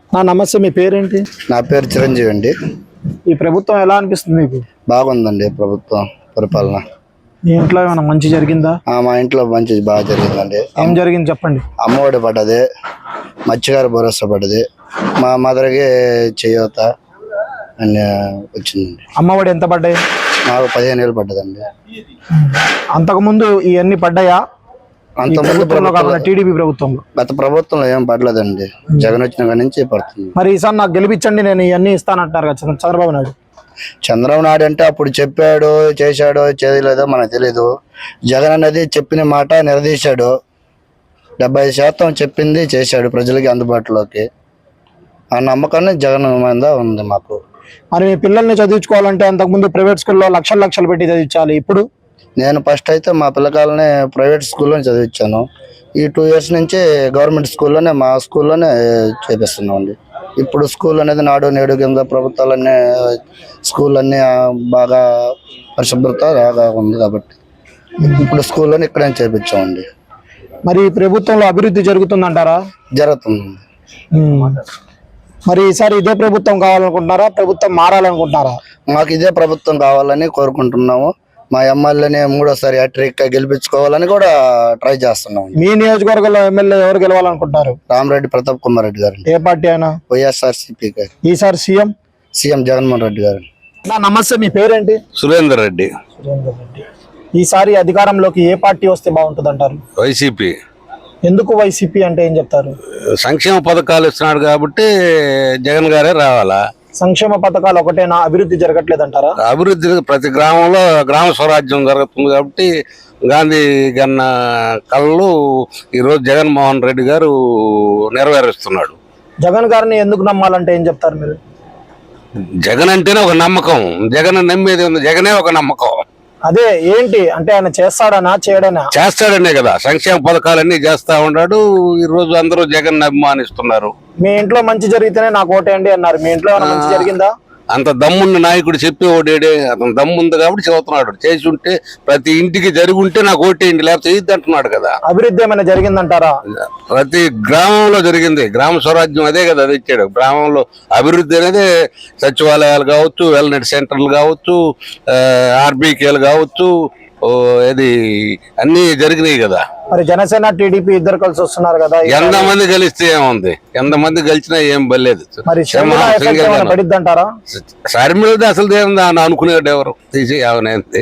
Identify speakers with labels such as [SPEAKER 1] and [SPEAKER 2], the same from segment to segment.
[SPEAKER 1] నమస్తే, మీ పేరేంటి?
[SPEAKER 2] నా పేరు చిరంజీవి అండి.
[SPEAKER 1] ఈ ప్రభుత్వం ఎలా అనిపిస్తుంది మీకు?
[SPEAKER 2] బాగుందండి ప్రభుత్వం పరిపాలన.
[SPEAKER 1] మీ ఇంట్లో ఏమైనా మంచి జరిగిందా?
[SPEAKER 2] మా ఇంట్లో మంచి బాగా జరిగిందండి.
[SPEAKER 1] ఏం జరిగింది చెప్పండి.
[SPEAKER 2] అమ్మఒడి పడ్డది, మత్స్యకార భరోసా పడ్డది, మా మదర్కి చేయూత అన్ని వచ్చిందండి.
[SPEAKER 1] అమ్మఒడి ఎంత పడ్డాయి?
[SPEAKER 2] నాకు 15,000 పడ్డదండి.
[SPEAKER 1] అంతకుముందు ఇవన్నీ పడ్డాయా?
[SPEAKER 2] అంతకుముందు
[SPEAKER 1] టీడీపీ ప్రభుత్వంలో,
[SPEAKER 2] గత ప్రభుత్వంలో ఏం పడలేదండి. జగన్ వచ్చిన కాడి నుంచి పడుతుంది.
[SPEAKER 1] మరి ఈసారి నాకు గెలిపించండి, నేను ఇవన్నీ ఇస్తానంటారు కదా చంద్రబాబు నాయుడు.
[SPEAKER 2] చంద్రబాబు నాయుడు అంటే అప్పుడు చెప్పాడు, చేశాడో చేయలేదో మనకు తెలీదు. జగన్ అనేది చెప్పిన మాట నిలదీశాడు. 70% చెప్పింది చేశాడు ప్రజలకి అందుబాటులోకి. ఆ నమ్మకాన్ని జగన్ మీద ఉంది మాకు.
[SPEAKER 1] మరి మీ పిల్లల్ని చదివించుకోవాలంటే అంతకుముందు ప్రైవేట్ స్కూల్లో లక్షలు పెట్టి చదివించాలి. ఇప్పుడు
[SPEAKER 2] నేను ఫస్ట్ అయితే మా పిల్లకాయలని ప్రైవేట్ స్కూల్లోనే చదివించాను. ఈ 2 years నుంచి గవర్నమెంట్ స్కూల్లోనే, మా స్కూల్లోనే చేపిస్తున్నాం అండి. ఇప్పుడు స్కూల్ అనేది నాడు నేడు కింద ప్రభుత్వాలన్నీ స్కూల్ అన్నీ బాగా పరిశుభ్రత బాగా ఉంది కాబట్టి ఇప్పుడు స్కూల్లోనే ఇక్కడే చేపించామండి.
[SPEAKER 1] మరి ప్రభుత్వంలో అభివృద్ధి జరుగుతుందంటారా?
[SPEAKER 2] జరుగుతుంది.
[SPEAKER 1] మరి ఈసారి ఇదే ప్రభుత్వం కావాలనుకుంటున్నారా, ప్రభుత్వం మారాలనుకుంటున్నారా?
[SPEAKER 2] మాకు ఇదే ప్రభుత్వం కావాలని కోరుకుంటున్నాము. మా ఎమ్మెల్యేని 3వ హ్యాట్రిక్ గెలిపించుకోవాలని కూడా ట్రై చేస్తున్నాం.
[SPEAKER 1] మీ నియోజకవర్గంలో ఎమ్మెల్యే ఎవరు గెలవాలనుకుంటారు?
[SPEAKER 2] రామరెడ్డి ప్రతాప్ కుమార్ రెడ్డి గారు.
[SPEAKER 1] ఏ పార్టీ అయినా?
[SPEAKER 2] వైఎస్ఆర్సీపీ గారు.
[SPEAKER 1] ఈసారి సీఎం
[SPEAKER 2] జగన్మోహన్ రెడ్డి గారు.
[SPEAKER 1] నమస్తే, మీ పేరేంటి?
[SPEAKER 3] సురేందర్ రెడ్డి.
[SPEAKER 1] ఈసారి అధికారంలోకి ఏ పార్టీ వస్తే బాగుంటుంది అంటారు?
[SPEAKER 3] వైసీపీ.
[SPEAKER 1] ఎందుకు వైసీపీ అంటే ఏం చెప్తారు?
[SPEAKER 3] సంక్షేమ పథకాలు ఇస్తున్నాడు కాబట్టి జగన్ గారే రావాలా.
[SPEAKER 1] సంక్షేమ పథకాలు ఒకటేనా, అభివృద్ధి జరగట్లేదంటారా?
[SPEAKER 3] అభివృద్ధి ప్రతి గ్రామంలో గ్రామ స్వరాజ్యం జరుగుతుంది కాబట్టి గాంధీ గన్న కళ్ళు ఈరోజు జగన్మోహన్ రెడ్డి గారు నెరవేరుస్తున్నాడు.
[SPEAKER 1] జగన్ గారిని ఎందుకు నమ్మాలంటే ఏం చెప్తారు మీరు?
[SPEAKER 3] జగన్ అంటేనే ఒక నమ్మకం. జగన్ నమ్మేది ఉంది, జగనే ఒక నమ్మకం.
[SPEAKER 1] అదే ఏంటి అంటే ఆయన చేస్తాడనా చేయడనా?
[SPEAKER 3] చేస్తాడనే కదా, సంక్షేమ పథకాలన్నీ చేస్తా ఉన్నాడు. ఈ రోజు అందరూ జగన్ అభిమానిస్తున్నారు.
[SPEAKER 1] మీ ఇంట్లో మంచి జరిగితేనే నాకు ఓటేయండి అన్నారు. మీ ఇంట్లో ఏమైనా మంచి జరిగిందా?
[SPEAKER 3] అంత దమ్మున్న నాయకుడు చెప్పి ఓటేడే, అతను దమ్ము ఉంది కాబట్టి చెబుతున్నాడు. చేసి ఉంటే ప్రతి ఇంటికి జరిగి ఉంటే నాకు ఓటేయండి, లేకపోతే ఇది అంటున్నాడు కదా.
[SPEAKER 1] అభివృద్ధి ఏమైనా జరిగిందంటారా?
[SPEAKER 3] ప్రతి గ్రామంలో జరిగింది. గ్రామ స్వరాజ్యం అదే కదా అది ఇచ్చాడు. గ్రామంలో అభివృద్ధి అనేది సచివాలయాలు కావచ్చు, వెల్నెస్ సెంటర్లు కావచ్చు, ఆర్బీకేలు కావచ్చు, ఇది అన్ని జరిగినాయి కదా.
[SPEAKER 1] మరి జనసేన టీడీపీ ఇద్దరు కలిసి వస్తున్నారు కదా,
[SPEAKER 3] ఎంతమంది కలిస్తే ఏముంది? ఎంతమంది కలిసినా ఏం బలేదు. షర్మిల అసలు ఏముంది అని అనుకునేవాడు ఎవరు తీసి అవనంతే.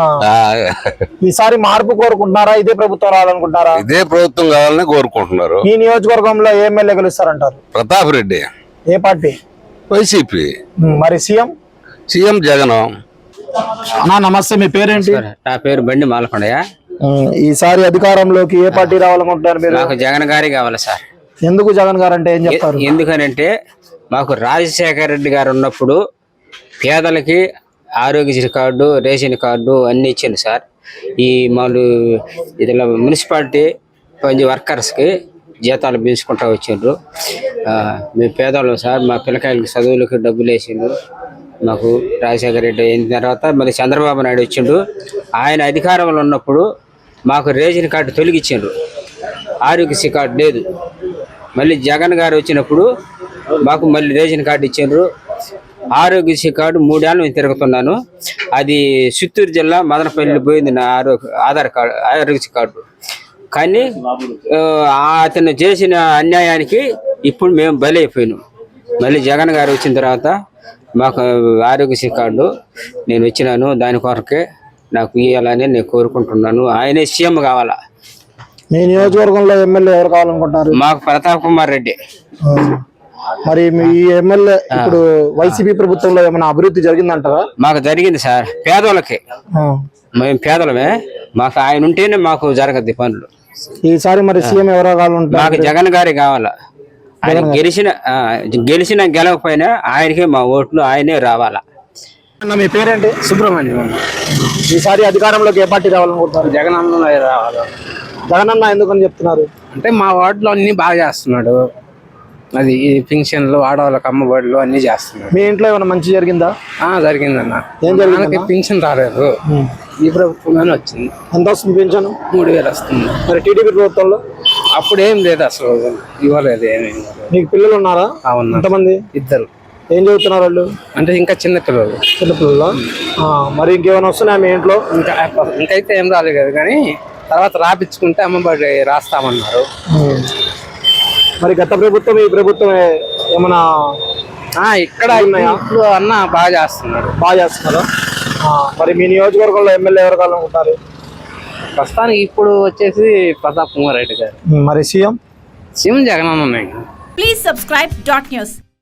[SPEAKER 1] ఈసారి మార్పు కోరుకుంటున్నారా, ఇదే ప్రభుత్వం రావాలనుకుంటున్నారా?
[SPEAKER 3] ఇదే ప్రభుత్వం కావాలని కోరుకుంటున్నారు.
[SPEAKER 1] ఈ నియోజకవర్గంలో ఏ ఎమ్మెల్యే గెలుస్తారంటారు?
[SPEAKER 3] ప్రతాప్ రెడ్డి.
[SPEAKER 1] ఏ పార్టీ?
[SPEAKER 3] వైసీపీ.
[SPEAKER 1] మరి సీఎం
[SPEAKER 3] జగన్.
[SPEAKER 1] నమస్తే, మీ పేరేంటి?
[SPEAKER 4] నా పేరు బండి మాలకొండయ్య.
[SPEAKER 1] ఈసారి అధికారంలోకి ఏ పార్టీ రావాలనుకుంటున్నారు మీరు?
[SPEAKER 4] నాకు జగన్ గారి కావాలి సార్.
[SPEAKER 1] ఎందుకు జగన్ గారు అంటే ఏం చెప్తారు?
[SPEAKER 4] ఎందుకనంటే మాకు రాజశేఖర రెడ్డి గారు ఉన్నప్పుడు పేదలకి ఆరోగ్యశ్రీ కార్డు, రేషన్ కార్డు అన్ని ఇచ్చింది సార్. ఈ మామూలు ఇదిలా మున్సిపాలిటీ వర్కర్స్కి జీతాలు పెంచుకుంటూ వచ్చిండ్రు. మేము పేదవాళ్ళం సార్. మా పిల్లకాయలకి చదువులకి డబ్బులు వేసిండ్రు. మాకు రాజశేఖర రెడ్డి అయిన తర్వాత మళ్ళీ చంద్రబాబు నాయుడు వచ్చిండు. ఆయన అధికారంలో ఉన్నప్పుడు మాకు రేషన్ కార్డు తొలగించిండ్రు, ఆరోగ్యశ్రీ కార్డు లేదు. మళ్ళీ జగన్ గారు వచ్చినప్పుడు మాకు మళ్ళీ రేషన్ కార్డు ఇచ్చిండ్రు. ఆరోగ్యశ్రీ కార్డు 3 ఏళ్ళు నేను తిరుగుతున్నాను. అది చిత్తూరు జిల్లా మదనపల్లి పోయింది నా ఆధార్ కార్డు, ఆరోగ్యశ్రీ కార్డు. కానీ అతను చేసిన అన్యాయానికి ఇప్పుడు మేము బలైపోయినాం. మళ్ళీ జగన్ గారు వచ్చిన తర్వాత మాకు ఆరోగ్యశ్రీ కార్డు నేను వచ్చినాను. దాని కొరకే నాకు ఇవ్వాలని నేను కోరుకుంటున్నాను. ఆయనే సీఎం కావాలా.
[SPEAKER 1] మీ నియోజకవర్గంలో ఎమ్మెల్యే ఎవరు కావాలనుకుంటున్నారు?
[SPEAKER 4] మాకు ప్రతాప్ కుమార్ రెడ్డి.
[SPEAKER 1] మరి మీ ఎమ్మెల్యే ఇప్పుడు వైసీపీ ప్రభుత్వంలో ఏమైనా అభివృద్ధి జరిగిందంటారా?
[SPEAKER 4] మాకు జరిగింది సార్. పేదోళ్ళకి, మేము పేదలమే, మాకు ఆయన ఉంటేనే మాకు జరగద్ది పనులు.
[SPEAKER 1] ఈసారి మరి సీఎం ఎవరో కావాలంటారు?
[SPEAKER 4] మాకు జగన్ గారి కావాలా. ఆయన గెలిచిన గెలవకపోయినా ఆయనకే మా ఓట్లు, ఆయనే రావాలా.
[SPEAKER 1] మీ పేరేంటి?
[SPEAKER 5] సుబ్రహ్మణ్యం.
[SPEAKER 1] ఈసారి అధికారంలోకి ఏ పార్టీ రావాలనుకుంటున్నారు?
[SPEAKER 5] జగన్ అన్న రావాలి.
[SPEAKER 1] జగన్ అన్న ఎందుకని చెప్తున్నారు?
[SPEAKER 5] అంటే మా వార్డులో అన్ని బాగా చేస్తున్నాడు. అది ఈ పింఛన్లు, ఆడవాళ్ళకి అమ్మఒడులు అన్ని చేస్తున్నాడు.
[SPEAKER 1] మీ ఇంట్లో ఏమైనా మంచి జరిగిందా?
[SPEAKER 5] జరిగిందన్న.
[SPEAKER 1] ఏం జరిగింది?
[SPEAKER 5] పింఛన్ రాలేదు, ఈ ప్రభుత్వంలోనే వచ్చింది.
[SPEAKER 1] ఎంత వస్తుంది పింఛను?
[SPEAKER 5] 3000 వస్తుంది.
[SPEAKER 1] మరి టీడీపీ ప్రభుత్వంలో
[SPEAKER 5] అప్పుడు ఏం లేదు అసలు, ఇవ్వలేదు ఏమి ఇవ్వలేదు.
[SPEAKER 1] నీకు పిల్లలు ఉన్నారా?
[SPEAKER 5] అవునా,
[SPEAKER 1] ఎంతమంది?
[SPEAKER 5] ఇద్దరు.
[SPEAKER 1] ఏం చదువుతున్నారు వాళ్ళు?
[SPEAKER 5] అంటే ఇంకా చిన్న పిల్లలు.
[SPEAKER 1] చిన్నపిల్లలు. మరి ఇంకేమైనా వస్తున్నాయా మీ ఇంట్లో?
[SPEAKER 5] ఇంకైతే ఏం రాలేదు కదా, కానీ తర్వాత రాపించుకుంటే అమ్మబడి రాస్తామన్నారు.
[SPEAKER 1] మరి గత ప్రభుత్వం ఈ ప్రభుత్వం ఏమైనా
[SPEAKER 5] ఇక్కడ ఇప్పుడు అన్న బాగా చేస్తున్నాడు.
[SPEAKER 1] బాగా చేస్తున్నారా? మరి మీ నియోజకవర్గంలో ఎమ్మెల్యే ఎవరు కావాలనుకుంటారు?
[SPEAKER 5] ప్రస్తుతానికి ఇప్పుడు వచ్చేసి ప్రతాప్ కుమార్ రెడ్డి గారు.
[SPEAKER 1] మరి సీఎం?
[SPEAKER 5] సీఎం జగన్ అన్న ఉన్నాయి.
[SPEAKER 6] Please subscribe dot news.